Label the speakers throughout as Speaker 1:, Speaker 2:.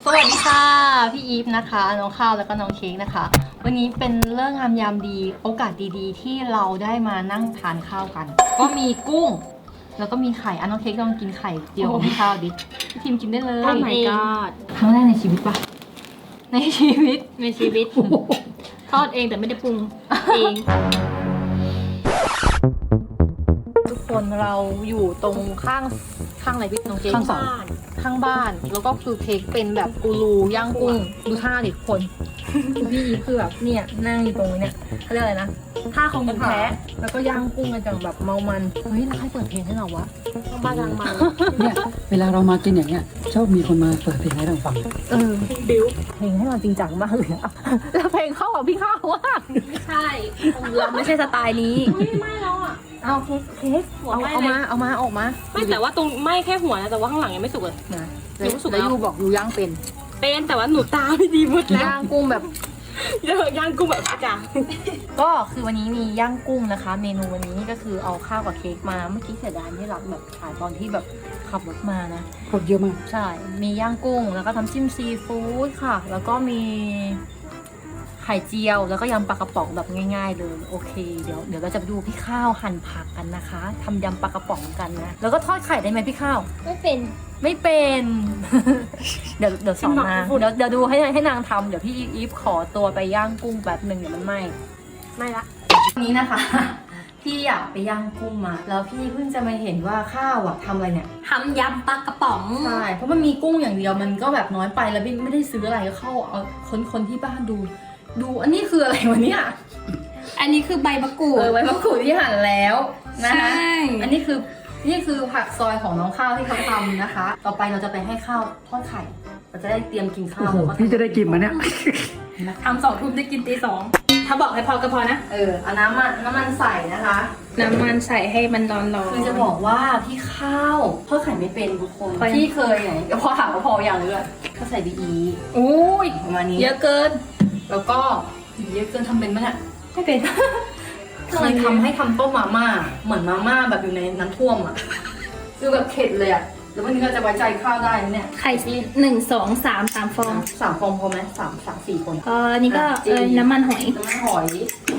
Speaker 1: สวัสดีค่ะพี่อีฟนะคะน้องข้าวแล้วก็น้องเค้กนะคะวันนี้เป็นเรื่องงามยามดีโอกาสดีๆ ที่เราได้มานั่งทานข้าวกัน ก็มีกุ้งแล้วก็มีไข่น้องเค้กลองกินไข่เจียวของพี่ข้าวดิพี่ทีมกินได้เลย
Speaker 2: โอ้ my god
Speaker 1: ครั้งแรกในชีวิตปะในชีวิต
Speaker 2: ทอดเองแต่ไม่ได้ปรุงเอง
Speaker 1: ทุกคนเราอยู่ตรงข้างอะไรพี่น้องเค้ก
Speaker 2: ข้างบ้าน
Speaker 1: ข้างบ้านแล้วก็คือเค้กเป็นแบบกูรูย่างกุ้งดูท่าดิทุกคนพี่อีฟคือแบบเนี่ยนั่งอยู่ตรงนี้เนี่ยเขาเรียกอะไรนะท่าของคนแพ้แล้วก็ย่างกุ้งกันจังแบบเมามันเฮ้ยแล้วใครเปิดเพลงให้เราวะ
Speaker 2: บ้านทางมา
Speaker 3: เนี่ยเวลาเรามากินอย่างเงี้ยชอบมีคนมาเปิดเพลงให้เราฟัง
Speaker 2: บิว
Speaker 1: เพลงให้เราจริงจังมากเลยอะแล้วเพลงเข้ากับพี่ข้าวว่า
Speaker 2: ใช่เราไม่ใช่สไตล์นี้ไม่แล้วอ่ะ
Speaker 1: เอาเค้ก
Speaker 2: หัว
Speaker 1: เอา
Speaker 2: ไหม้
Speaker 1: เอา
Speaker 2: เลย
Speaker 1: มาเอามาออกมา
Speaker 2: ไม่แต่ว่าตรงไหม้แค่หัวนะแต่ว่าข้างหลังยังไม่สุกเลย
Speaker 1: นะ
Speaker 2: ยังไม่สุก
Speaker 1: แล้ว
Speaker 2: แล้ว
Speaker 1: ยูบอกยูย่างเป็น
Speaker 2: เป็นแต่ว่าหนูตาไม่ดีหมดแล้ว
Speaker 1: ย่างกุ้งแบบ
Speaker 2: เดี๋ยวย่างกุ้งแบบอาจารย์
Speaker 1: ก็คือวันนี้มีย่างกุ้งนะคะ เมนูวันนี้ก็คือเอาข้าวกับเค้กมาเมื่อกี้เสียดายที่เราแบบถ่ายตอนที่แบบขับรถมานะ
Speaker 3: คนเยอะมาก
Speaker 1: ใช่ มีย่างกุ้งแล้วก็ทำจิ้มซีฟู้ดค่ะ แล้วก็มีไข่เจียวแล้วก็ยำปลากระป๋องแบบง่ายๆเลยโอเคเดี๋ยวเราจะไปดูพี่ข้าวหั่นผักกันนะคะทำยำปลากระป๋องกันนะแล้วก็ทอดไข่ได้ไหมพี่ข้าว
Speaker 2: ไม่เป็น
Speaker 1: ไม่เป็น เดี๋ยวสอนนางเดี๋ยวดูให้นางทำเดี๋ยวพี่อีฟขอตัวไปย่างกุ้งแบบหนึ่งเดี๋ยวมันไหม้
Speaker 2: ไม่ละ
Speaker 1: วันนี้นะคะ พี่อยากไปย่างกุ้งมา แล้วพี่เพิ่งจะมาเห็นว่าข้าวอะทำอะไรเนี่ย
Speaker 2: ทำยำปลากระป๋อง
Speaker 1: ใช่เพราะมันมีกุ้งอย่างเดียวมันก็แบบน้อยไปแล้วพี่ไม่ได้ซื้ออะไรก็เข้าเอาคนที่บ้านดูอันนี้คืออะไรวะเนี่ย
Speaker 2: อันนี้คือใบมะกรูด
Speaker 1: ใบมะกรูดที่หั่นแล้วนะคะ
Speaker 2: ใช่
Speaker 1: อันนี้คือผักซอยของน้องข้าวที่เขาทำนะคะ ต่อไปเราจะไปให้ข้าวทอดไข่เราจะได้เตรียมกินข้า
Speaker 3: โอ้
Speaker 1: ว
Speaker 3: โห
Speaker 1: แล้วก็
Speaker 3: พี่จะได้กินมาเนี่ย
Speaker 2: ทำ2 ทุ่มได้กินตี 2ถ้าบอกให้พอก็พอนะ
Speaker 1: เอาน้ำมันใส่นะคะ
Speaker 2: น้ำมันใส่ให้มันร้อนๆ
Speaker 1: คือจะบอกว่าพี่ข้าวทอดไข่ไม่เป็นทุกคน
Speaker 2: พอยัง
Speaker 1: พี่เคยไงพอถามว่าพออย่างเลยก็ใส่ดีอี
Speaker 2: อุ้ย
Speaker 1: ประมาณนี้
Speaker 2: เยอะเกิน
Speaker 1: แล้วก็เยอะเกินทำเป็นไหมเนี่ย
Speaker 2: ไม่เป็น
Speaker 1: เคยทำให้ทำต้มมาม่าเหมือนมาม่าแบบอยู่ในน้ำท่วมอ่ะคือแบบเข็ดเลยอ่ะแล้ววันนี้เราจะไว้ใจข้าวได้ไหมเนี่ย
Speaker 2: ไข่1 2 3 3 ฟอง
Speaker 1: 3 ฟองพอไหม3-4 คน
Speaker 2: อันนี้ก็
Speaker 1: จริง
Speaker 2: น้ำมันหอย
Speaker 1: น้ำมันหอย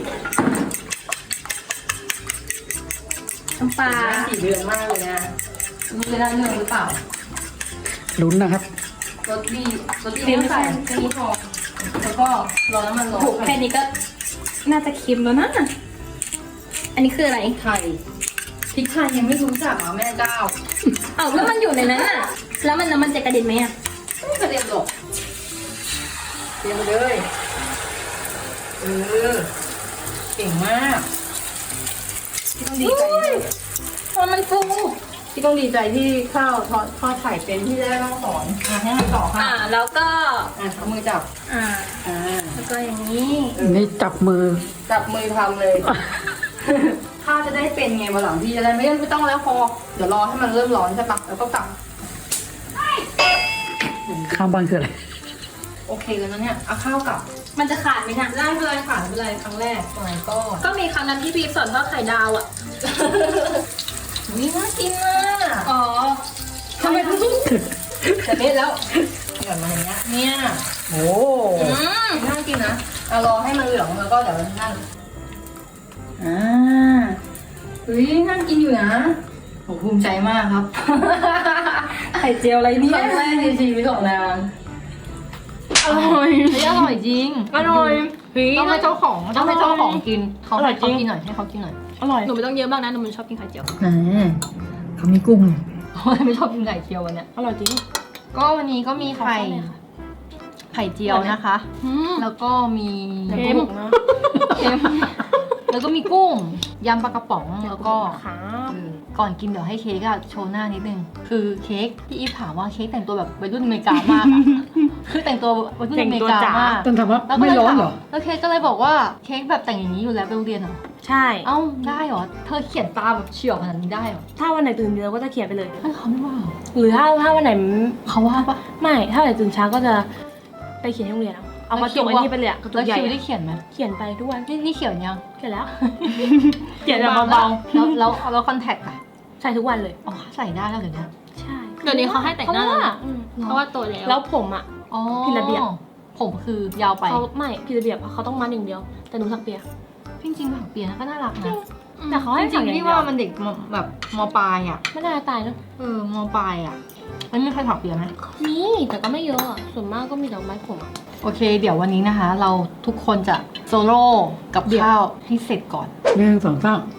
Speaker 2: น้ำปลา
Speaker 1: 4 เดือนมากเลยนะมันจะได้เรื่องหรือเปล่า
Speaker 3: ลุ้นนะครับ
Speaker 1: รสดีไม่ใส่แค่นี้พอแล้วก็รอน้ำมันร้อน
Speaker 2: ถูกแค่นี้ก็น่าจะเค็มแล้วนะ อันนี้คืออะไร
Speaker 1: ไทยพริกไทยยังไม่รู้จักเหรอแม่เจ้า
Speaker 2: อ้าวแล้วมันอยู่ในนั้นอ่ะ แล้วมันน้ำมันจะกระเด็นไหมอ่ะ
Speaker 1: ไม่กระเด็นหรอกเตรียมไปเลยเก่งมากพี่ต้องดีใจนะ
Speaker 2: มันฟู
Speaker 1: พี่ต้องดีใจที่ข้าวทอดไข่เป็นที่ได้ต้องสอนให้มันต่อค่ะ
Speaker 2: แล้วก็
Speaker 1: เอามือจับ
Speaker 2: อ่า แล้วก็อย่างนี้
Speaker 3: นี่จับมือ
Speaker 1: จับมือทำเลย ข้าวจะได้เป็นไงวันหลังพี่จะได้ไม่ต้องแล้วพอเดี๋ยวรอให้มันเริ่มร้อนใช่ปะแล้วก็กลับ
Speaker 3: ข้ามบ้านคืออะไร
Speaker 1: โอเคแล้วนะเนี่ยเอาข้าวกลับ
Speaker 2: มันจะขาดไหมนะ
Speaker 1: ได้ไม่เป็นไรค่ะไม่เป็นไรครั้งแรกสมัยก่อน
Speaker 2: ก็มีครั้งนั้นที่พี่สอนทอดไข่ดาวอ่ะ
Speaker 1: นี่น่ากินมาก
Speaker 2: อ๋อ
Speaker 1: ทำไมต้องจะเม็ดแล้วหย่อนมาอย่างเงี้ยเนี่ยโอ้น่ากินนะเอารอให้มันเหลืองแล้วก็เดี๋ยวนั่นเฮ้ยน่ากินอยู่นะผมภูมิใจมากครับ
Speaker 2: ไข่เจียวอะไรเนี่
Speaker 1: ค
Speaker 2: ย
Speaker 1: รั้งแรกในชีวิตของนาง
Speaker 2: อร่อย
Speaker 1: เฮ้ยอร่อยจริง
Speaker 2: อร่อย
Speaker 1: ต้องให้เจ้าของกินเขา
Speaker 2: อร่อยจริง
Speaker 1: กินหน่อยให้เขากินหน่อย
Speaker 2: อร่อย หนูไม่ต้องเยอะมากนะหนูมันชอบกินไข่เจียว
Speaker 3: เขามีกุ้ง
Speaker 1: ไม่ชอบกินไข่เจียววันเนี้ย
Speaker 2: อร่อยจริง
Speaker 1: ก็วันนี้ก็มีไข่เจียวนะคะ แล้วก็มี
Speaker 2: เค็มนะ
Speaker 1: เค็มแล้วก็มีกุ้งยำปลากระป๋องแล้วก็
Speaker 2: ครับ
Speaker 1: ก่อนกินเดี๋ยวให้เค้กอะโชว์หน้านิดนึงคือเค้กพี่อีฟถามว่าเค้กแต่งตัวแบบวัยรุ่นอเมริกามากอะคือแต่งตัววัยรุ่นอเมริกามาก
Speaker 3: ต้นถามว่า
Speaker 1: แล้วก็
Speaker 3: ไม่
Speaker 1: เลย
Speaker 3: ร้อน
Speaker 1: ถาม
Speaker 3: เหรอ
Speaker 1: แล้วเค้กก็เลยบอกว่าเค้กแบบแต่งอย่างนี้อยู่แล้วไปโรงเรียนเหรอ
Speaker 2: ใช่
Speaker 1: เอ้าได้เหรอเธอเขียนตาแบบเฉียวขนาดนี้ได้เหรอ
Speaker 2: ถ้าวันไหนตื่นเร็วก็จะเขียนไปเลย
Speaker 1: เฮ้ยเขาไม่ว่าเหรอ
Speaker 2: หรือถ้าวันไหน
Speaker 1: เขาว่าปะ
Speaker 2: ไม่ ถ้าวันไหนตื่นเช้าก็จะไปเขียนที่โรงเรียนเอากระจกไอ้นี่ไปเลยอะกระจ
Speaker 1: แล้ว
Speaker 2: กใหญ่
Speaker 1: คิว
Speaker 2: อะ
Speaker 1: ได้เขียนไหม
Speaker 2: เขียนไปทุกวัน
Speaker 1: นี่เขียนยัง
Speaker 2: เขียนแล้ว เขียนแบบเบา
Speaker 1: แล้วคอนแทคอะ
Speaker 2: ๆใส่ทุกวันเลย
Speaker 1: อ๋อใส่ได้แล้วเดี๋ยวนี้
Speaker 2: ใช่ เดี๋ยวนี้เขาให้แต่งหน้าแล้วนะเพราะว่าโตแล้ว แล้วผมอ่ะ
Speaker 1: อ๋อ
Speaker 2: ผิดระเบียบ
Speaker 1: ผมคือยาวไป
Speaker 2: เขาไม่ผิดระเบียบเขาต้องมัดอย่างเดียว แต่หนูถักเปีย
Speaker 1: จริงๆผักเปียนะก็น่ารักนะ
Speaker 2: แต่เขาให้
Speaker 1: จริง
Speaker 2: ถักอย่าง
Speaker 1: ๆพี่
Speaker 2: เดียว
Speaker 1: ว่ามันเด็กแบบมปลายอ่ะ
Speaker 2: ไม่น่าตายเนอะ
Speaker 1: มปลายอ่ะมันมีใครผักเปียไหม
Speaker 2: มีแต่ก็ไม่เยอะอะส่วนมากก็มีดอกไม้ผมอะ
Speaker 1: โอเค เดี๋ยววันนี้นะคะ เราทุกคนจะโซโล่กับข้าวให้เสร็จก่อน
Speaker 3: หนึ่งสองสาม